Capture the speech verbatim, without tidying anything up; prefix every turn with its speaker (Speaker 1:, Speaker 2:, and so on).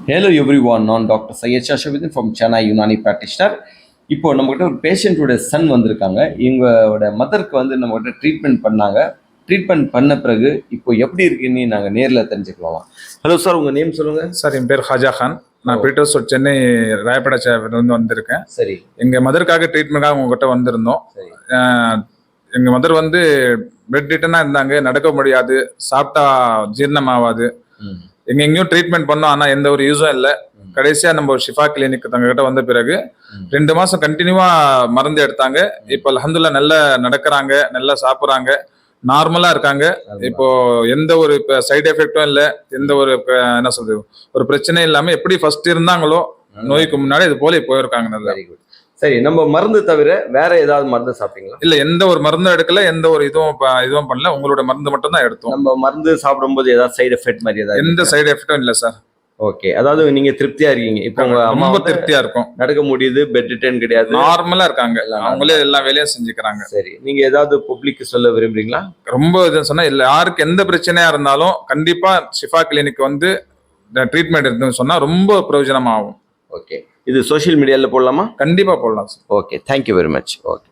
Speaker 1: Hello everyone, நான் doctor Syed Shahabuddin from Chennai Unani practitioner. இப்போ நம்மகிட்ட ஒரு பேஷண்ட்டோட சன் வந்திருக்காங்க. இவங்களோட மதருக்கு வந்து நம்மகிட்ட ட்ரீட்மெண்ட் பண்ணாங்க. ட்ரீட்மெண்ட் பண்ண பிறகு இப்போ எப்படி இருக்குன்னு நாங்கள் நேரில் தெரிஞ்சுக்கலாம். ஹலோ சார், உங்கள் நேம் சொல்லுங்கள்.
Speaker 2: சார், என் பேர் ஹாஜா கான். நான் பீட்டர்ஸ் சென்னை ராயப்பேட்டை வந்திருக்கேன்.
Speaker 1: சரி,
Speaker 2: எங்கள் மதருக்காக ட்ரீட்மெண்ட்டாக உங்ககிட்ட வந்திருந்தோம். எங்கள் மதர் வந்து பெட் ரிட்டனாக இருந்தாங்க, நடக்க முடியாது, சாப்பிட்டா ஜீரணம் ஆகாது. எங்க எங்கேயும் ட்ரீட்மெண்ட் பண்ணோம், ஆனால் எந்த ஒரு யூஸும் இல்லை. கடைசியாக நம்ம ஷிஃபா கிளினிக் தங்ககிட்ட வந்த பிறகு ரெண்டு மாசம் கண்டினியூவா மருந்து எடுத்தாங்க. இப்போ அல்ஹம்துலில்லாஹ் நல்லா நடக்கிறாங்க, நல்லா சாப்பிட்றாங்க, நார்மலா இருக்காங்க. இப்போ எந்த ஒரு சைடு எஃபெக்டும் இல்லை, எந்த ஒரு என்ன சொல்றது ஒரு பிரச்சனையும் இல்லாம எப்படி ஃபர்ஸ்ட் இருந்தாங்களோ நோய்க்கு முன்னாடி இது போல போயிருக்காங்க. நல்லா.
Speaker 1: சரி, நம்ம மருந்து தவிர வேற ஏதாவது மருந்து சாப்பிட்டீங்களா?
Speaker 2: இல்ல, எந்த ஒரு மருந்தும் எடுக்கல, எந்த ஒரு இதுவும் இதுவும் பண்ணல. உங்களோட மருந்து மட்டும் தான் எடுத்தோம்.
Speaker 1: நம்ம மருந்து சாப்பிடும்போது ஏதாவது சைடு எஃபெக்ட் மாதிரி ஏதாவது?
Speaker 2: எந்த சைடு எஃபெக்டும் இல்லை சார்.
Speaker 1: ஓகே, அதாவது நீங்க திருப்தியா இருக்கீங்க. இப்போ உங்க அம்மா
Speaker 2: ரொம்ப திருப்தியா இருக்கும்,
Speaker 1: நடக்க முடியுது, பெட் ரிட்டர்ன் கிடையாது,
Speaker 2: நார்மலா இருக்காங்க, அவங்களே எல்லா வேலையும் செஞ்சுக்கிறாங்க.
Speaker 1: சரி, நீங்க ஏதாவது பப்ளிக் சொல்ல விரும்புறீங்களா?
Speaker 2: ரொம்ப இது சொன்னா இல்ல, யாருக்கு எந்த பிரச்சனையா இருந்தாலும் கண்டிப்பா ஷிஃபா கிளினிக் வந்து ட்ரீட்மெண்ட் எடுத்துன்னு சொன்னா ரொம்ப பிரயோஜனமாகும்.
Speaker 1: ஓகே, இது சோஷியல் மீடியால போடலாமா?
Speaker 2: கண்டிப்பா போடலாம் sir.
Speaker 1: Okay, thank you very much. Okay.